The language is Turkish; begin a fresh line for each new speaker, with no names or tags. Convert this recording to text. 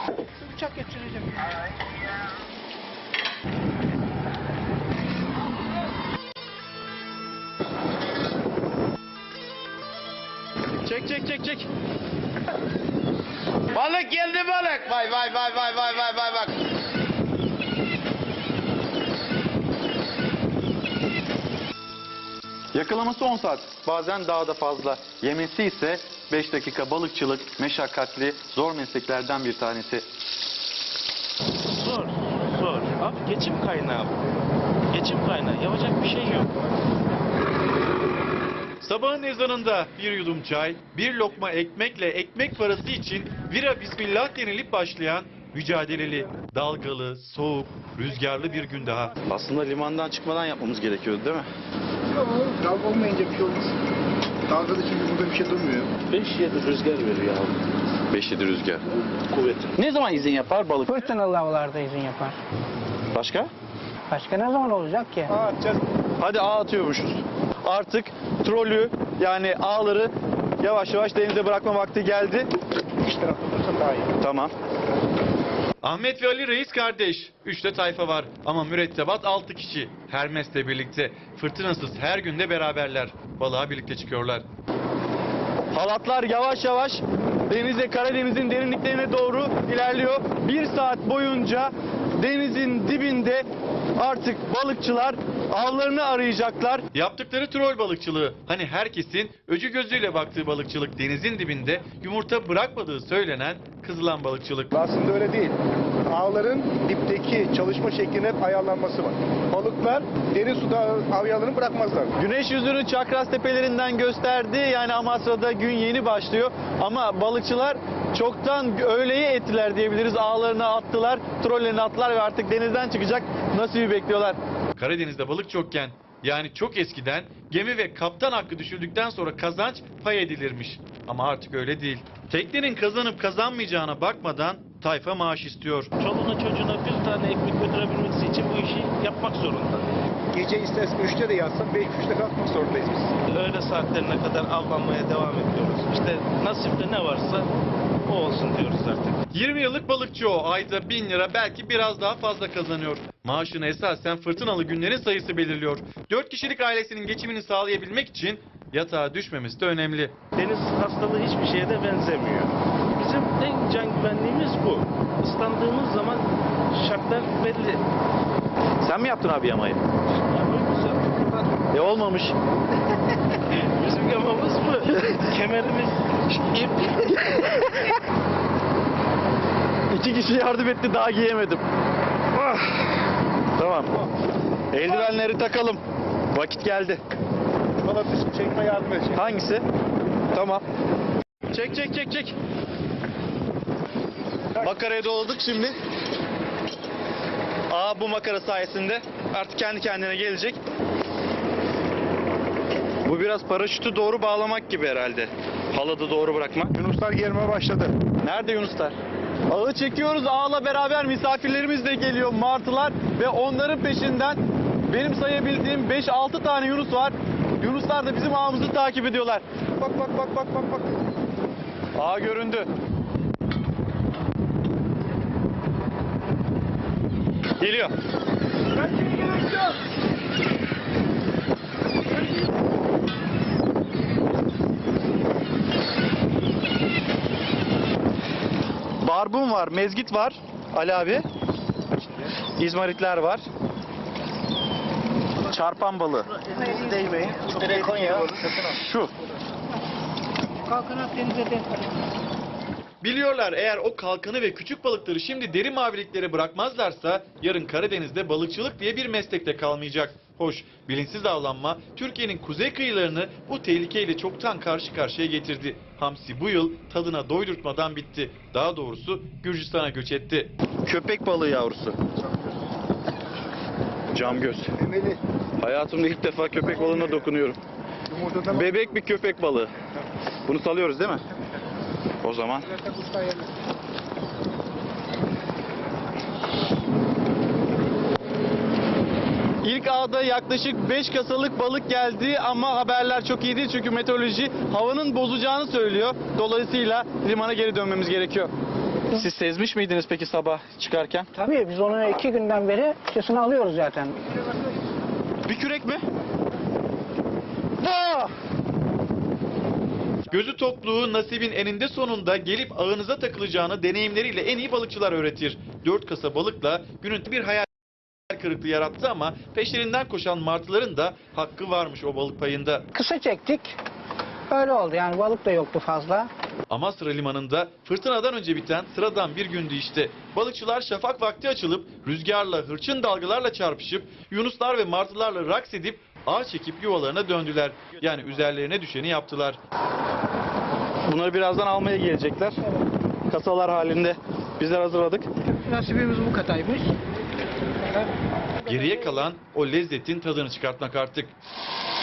Bıçak geçireceğim.
Çek. Balık geldi balık. Vay. Bak. Yakalaması 10 saat. Bazen daha da fazla. Yemesi ise 5 dakika. Balıkçılık meşakkatli, zor mesleklerden bir tanesi.
Zor. Abi geçim kaynağı bu. Geçim kaynağı. Yapacak bir şey yok.
Sabahın ezanında bir yudum çay, bir lokma ekmekle ekmek parası için vira bismillah denilip başlayan mücadeleli, dalgalı, soğuk, rüzgarlı bir gün daha.
Aslında limandan çıkmadan yapmamız gerekiyordu değil mi?
Yok, dalga olmayınca bir şey olmaz. Dalgada çünkü burada bir şey durmuyor.
5-7 rüzgar veriyor abi.
5-7 rüzgar.
Kuvveti.
Ne zaman izin yapar balık?
Fırtınalı havalarda izin yapar.
Başka?
Başka ne zaman olacak ki?
Hadi ağ atıyormuşuz. Artık trolü yani ağları yavaş yavaş denize bırakma vakti geldi.
İç tarafta dursan daha iyi.
Tamam.
Ahmet ve Ali Reis kardeş. 3 de tayfa var ama mürettebat 6 kişi. Hermes'le birlikte. Fırtınasız her günde beraberler. Balığa birlikte çıkıyorlar.
Halatlar yavaş yavaş denize, Karadeniz'in derinliklerine doğru ilerliyor. 1 saat boyunca denizin dibinde artık balıkçılar avlarını arayacaklar.
Yaptıkları troll balıkçılığı. Hani herkesin öcü gözüyle baktığı balıkçılık, denizin dibinde yumurta bırakmadığı söylenen kızılan balıkçılık.
Aslında öyle değil. Ağların dipteki çalışma şeklinin hep ayarlanması var. Balıklar derin suda avyalarını bırakmazlar.
Güneş yüzünü Çakras tepelerinden gösterdi. Yani Amasra'da gün yeni başlıyor. Ama balıkçılar çoktan öğleyi ettiler diyebiliriz. Ağlarını attılar, trollerini attılar ve artık denizden çıkacak nasibi bekliyorlar.
Karadeniz'de balık çokken, yani çok eskiden gemi ve kaptan hakkı düşürdükten sonra kazanç pay edilirmiş. Ama artık öyle değil. Teknenin kazanıp kazanmayacağına bakmadan tayfa maaş istiyor.
Çoluğuna çocuğuna bir tane ekmek götürebilmesi için bu işi yapmak zorunda.
Gece istersen 3'te de yatsan 5-3'te kalkmak zorundayız biz.
Öğle saatlerine kadar avlanmaya devam ediyoruz. İşte nasipte ne varsa o olsun diyoruz artık.
20 yıllık balıkçı o. Ayda 1000 lira, belki biraz daha fazla kazanıyor. Maaşını esasen fırtınalı günlerin sayısı belirliyor. 4 kişilik ailesinin geçimini sağlayabilmek için yatağa düşmemesi de önemli.
Deniz hastalığı hiçbir şeye de benzemiyor. Bizim en can güvenliğimiz bu. Islandığımız zaman şartlar belli.
Sen mi yaptın abi yamayı?
Yapıyoruz.
Olmamış.
Bizim yamamız bu. Kemerimiz ip.
2 kişi yardım etti, daha giyemedim. Ah. Tamam. Eldivenleri takalım. Vakit geldi.
Bana çekme yardım edecek.
Hangisi? Tamam. Çek. Makaraya doladık şimdi. Bu makara sayesinde artık kendi kendine gelecek. Bu biraz paraşütü doğru bağlamak gibi herhalde. Haladı doğru bırakmak.
Yunuslar gelmeye başladı.
Nerede yunuslar? Ağı çekiyoruz. Ağla beraber misafirlerimiz de geliyor, martılar. Ve onların peşinden benim sayabildiğim 5-6 tane yunus var. Yunuslar da bizim ağımızı takip ediyorlar.
Bak.
Ağ göründü. Geliyor. Barbun var, mezgit var Ali abi. İzmaritler var. Çarpan balığı.
Değmeyin. Direkt Konya.
Şu.
Kalkın Akdeniz'e de.
Biliyorlar, eğer o kalkanı ve küçük balıkları şimdi derin maviliklere bırakmazlarsa yarın Karadeniz'de balıkçılık diye bir meslek de kalmayacak. Hoş, bilinçsiz avlanma Türkiye'nin kuzey kıyılarını bu tehlikeyle çoktan karşı karşıya getirdi. Hamsi bu yıl tadına doydurtmadan bitti. Daha doğrusu Gürcistan'a göç etti.
Köpek balığı yavrusu. Camgöz.
Memeli.
Hayatımda ilk defa köpek balığına dokunuyorum.
Yumurtadan
Bebek bir köpek balığı. Bunu salıyoruz değil mi? O zaman. İlk ağda yaklaşık 5 kasalık balık geldi ama haberler çok iyi değil çünkü meteoroloji havanın bozacağını söylüyor. Dolayısıyla limana geri dönmemiz gerekiyor. Siz sezmiş miydiniz peki sabah çıkarken?
Tabii biz onu 2 günden beri üstesine alıyoruz zaten.
Bir kürek mi?
Oh!
Gözü tokluğu nasibin eninde sonunda gelip ağınıza takılacağını deneyimleriyle en iyi balıkçılar öğretir. 4 kasa balıkla günün bir hayal kırıklığı yarattı ama peşlerinden koşan martıların da hakkı varmış o balık payında.
Kısa çektik. Öyle oldu yani balık da yoktu fazla.
Amasra Limanı'nda fırtınadan önce biten sıradan bir gündü işte. Balıkçılar şafak vakti açılıp rüzgarla, hırçın dalgalarla çarpışıp yunuslar ve martılarla raks edip ağ çekip yuvalarına döndüler. Yani üzerlerine düşeni yaptılar.
Bunları birazdan almaya gelecekler. Kasalar halinde bizler hazırladık.
Nasibimiz bu kadarmış.
Geriye kalan o lezzetin tadını çıkartmak artık.